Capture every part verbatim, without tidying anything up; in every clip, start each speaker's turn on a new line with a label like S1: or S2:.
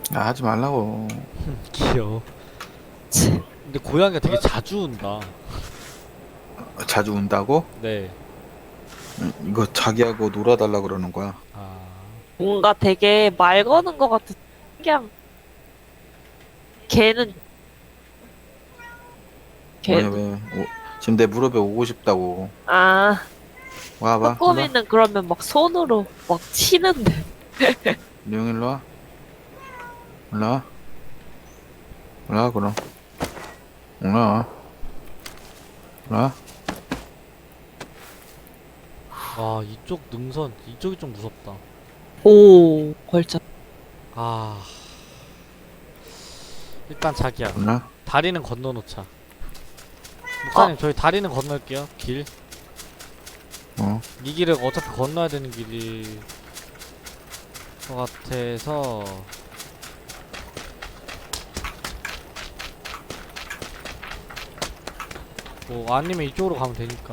S1: 야, 하지 말라고.
S2: 귀여워.
S3: 치.
S2: 근데 고양이가 되게 자주 운다.
S1: 자주 운다고?
S2: 네.
S1: 응, 이거 자기하고 놀아달라 그러는 거야.
S2: 아,
S3: 뭔가 되게 말 거는 것 같은 그냥 걔는
S1: 왜,
S3: 걔는
S1: 왜? 오, 지금 내 무릎에 오고 싶다고.
S3: 아
S1: 와봐.
S3: 꼬꼬미는 그러면 막 손으로 막 치는데
S1: 룡 일로 와. 올라와. 올라와, 그럼. 올라와. 올라와.
S2: 와, 이쪽 능선, 이쪽이 좀 무섭다.
S3: 오 걸쳐
S2: 아, 일단 자기야.
S1: 올라와.
S2: 다리는 건너놓자. 목사님, 저희 다리는 건널게요. 길.
S1: 어.
S2: 이 길을 어차피 건너야 되는 길일 것 같아서. 뭐, 아니면 이쪽으로 가면 되니까.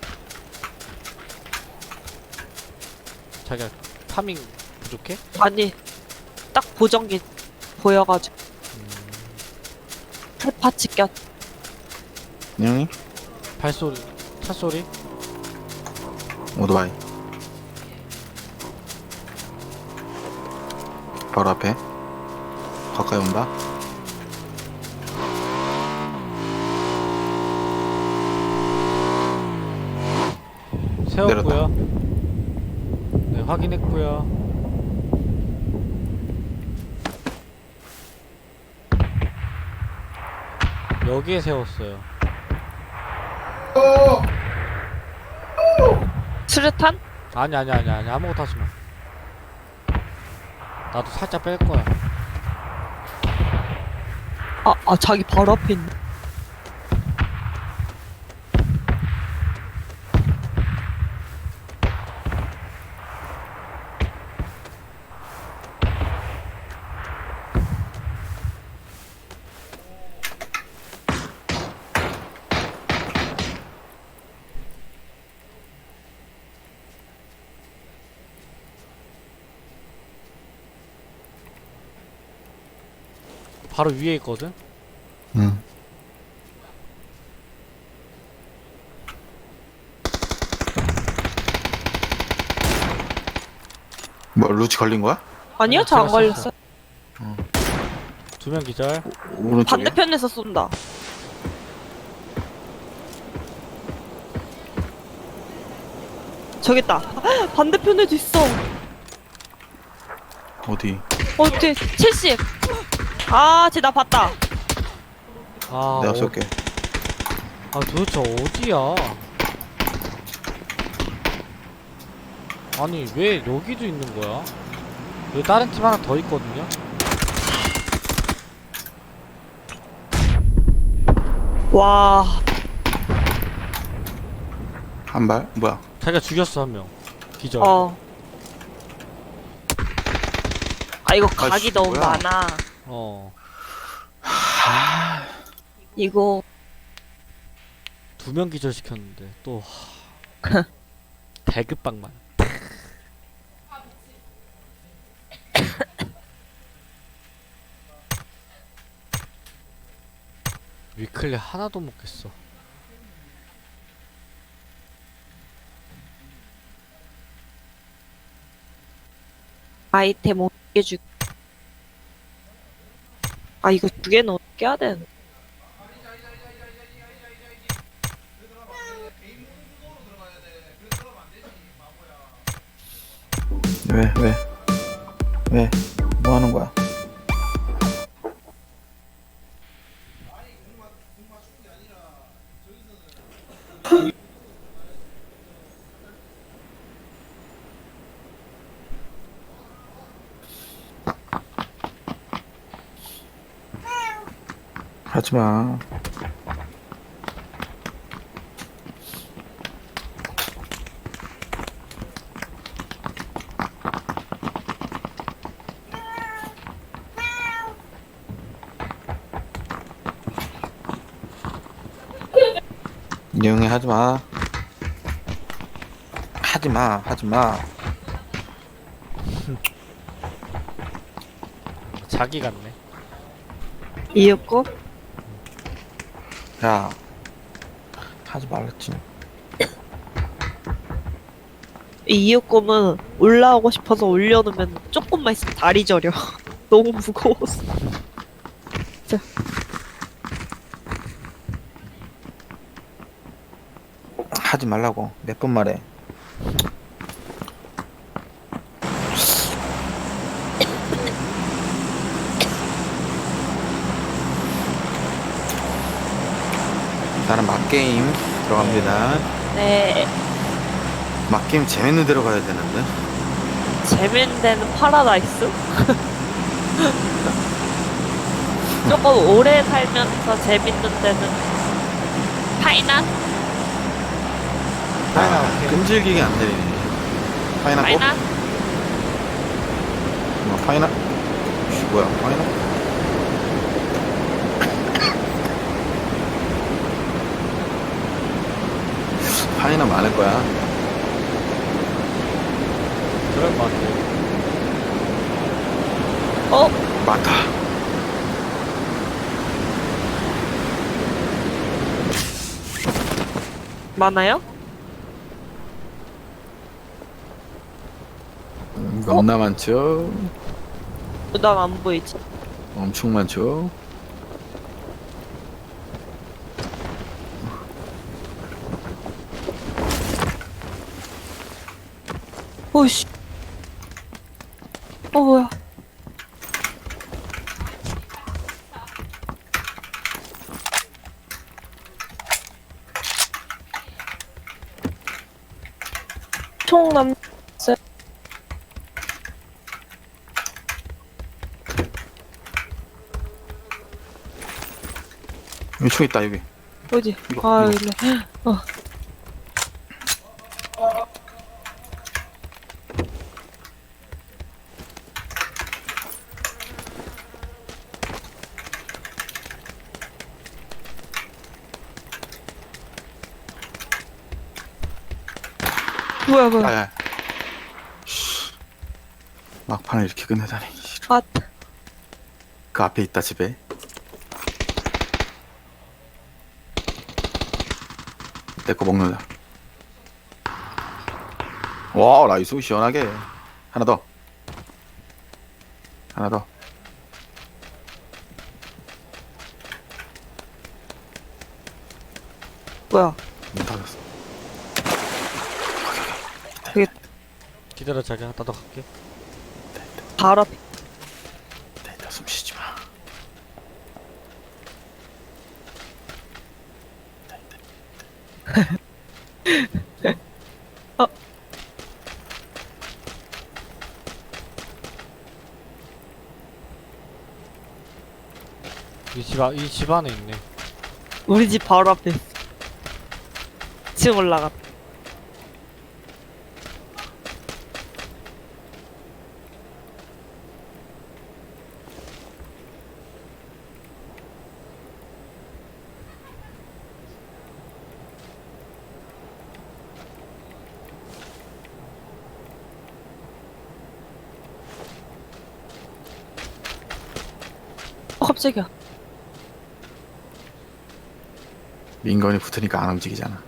S2: 자기야, 타밍 부족해?
S3: 아니 딱 보정기 보여가지고
S2: 음,
S3: 풀파츠 꼈
S1: 룡이?
S2: 발소리, 차소리?
S1: 오토바이. 바로 앞에. 가까이 온다.
S2: 세웠고요. 네, 확인했고요. 여기에 세웠어요.
S3: 수류탄?
S2: 아니 아니 아니 아니 아무것도 하지 마. 나도 살짝 뺄 거야.
S3: 아, 아 자기 바로 앞에 있네
S2: 바로 위에 있거든.
S1: 응. 뭐, 루치 걸린 거야?
S3: 아니요
S2: 아니요,
S3: 저 안
S2: 제가
S3: 걸렸어
S2: 두 명 기절.
S1: 오른쪽에?
S3: 반대편에서 쏜다 저기 있다 반대편에도 있어
S1: 어디?
S3: 어 뒤에 칠십 아 쟤 나 봤다
S2: 아,
S1: 내가
S2: 어,
S1: 쏠게.
S2: 아 도대체 어디야? 아니 왜 여기도 있는 거야? 여기 다른 팀 하나 더 있거든요.
S3: 와
S1: 한 발? 뭐야?
S2: 자기가 죽였어 한 명. 기절.
S3: 어. 아 이거 각이
S1: 아이씨,
S3: 너무
S1: 뭐야.
S3: 많아.
S2: 어.
S3: 이거
S2: 두 명 기절 시켰는데 또 배급방만. 위클리 하나도 못 깼어.
S3: 아이템 어떻게 주? 아 이거 두 개는 어떻게 해야 되는?
S1: 왜, 왜? 왜? 뭐 하는 거야? 하지 마. 이용해 하지 마. 하지 마. 하지 마.
S2: 자기 같네.
S3: 이윽고?
S1: 야 하지 말랬지.
S3: 이 이윽고는 올라오고 싶어서 올려놓으면 조금만 있으면 다리 저려. 너무 무거워서.
S1: 하지 말라고 몇 번 말해. 나는 막게임 들어갑니다.
S3: 네.
S1: 막게임 재밌는 데로 가야 되는데.
S3: 재밌는 데는 파라다이스? 조금 오래 살면서 재밌는 데는 파이난?
S2: 파이나
S1: 아,
S2: 오케이.
S1: 끈질기게 안 내리네. 파이나 꼭?
S3: 파이난?
S1: 뭐 파이나? 씨, 뭐야 파이나? 파이나 많을 거야.
S2: 그럴 것 같아.
S3: 어?
S1: 많다.
S3: 많아요?
S1: 음, 너무나 많죠.
S3: 난 안 보이지.
S1: 엄청 많죠.
S3: 오이씨. 어, 뭐야. 총 남,
S1: 여기 총 있다 여기.
S3: 어디?
S1: 이거,
S3: 아,
S1: 이거.
S3: 여기네. 어. 뭐야, 뭐야.
S1: 아야. 막판을 이렇게 끝내다니.
S3: 아,
S1: 그 앞에 있다 집에. 내 거 먹는다. 와 나이스 시원하게. 하나 더. 하나 더.
S3: 뭐야.
S1: 문 닫았어.
S2: 기다려 자기야. 나도 갈게.
S3: 바로 앞에.
S1: 나 이따 숨 쉬지 마.
S3: 어.
S2: 이 집, 아, 이 집 안에 있네.
S3: 우리 집 바로 앞에 있어. 지금 올라갔다. 어, 깜짝이야.
S1: 민건이 붙으니까 안 움직이잖아.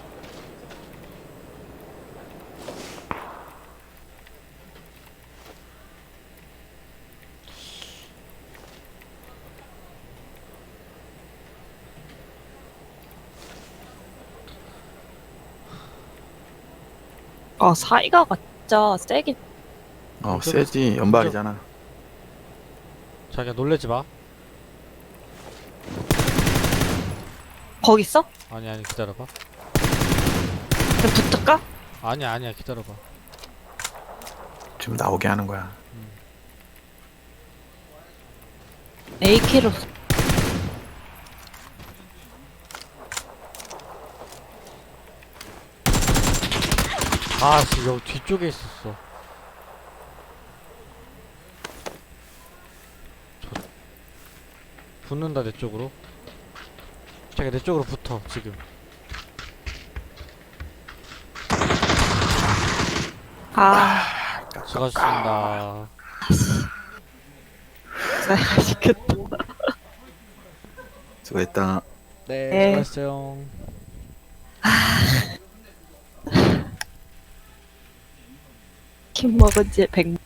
S3: 아, 사이가가 진짜 세긴.
S1: 어 세지 연발이잖아.
S2: 자기야 놀래지 마.
S3: 거기 있어?
S2: 아니 아니 기다려봐.
S3: 그럼 붙을까?
S2: 아니야 아니야 기다려봐.
S1: 지금 나오게 하는 거야.
S3: 에이케이로.
S2: 아씨 여기 뒤쪽에 있었어. 저... 붙는다 내 쪽으로. 자기야 내 쪽으로 붙어 지금.
S3: 아,
S2: 수고하셨습니다.
S3: 맛있겠다.
S1: 수고했다.
S2: 네,
S3: 네.
S2: 수고하셨어요.
S3: 김 먹은 지 백.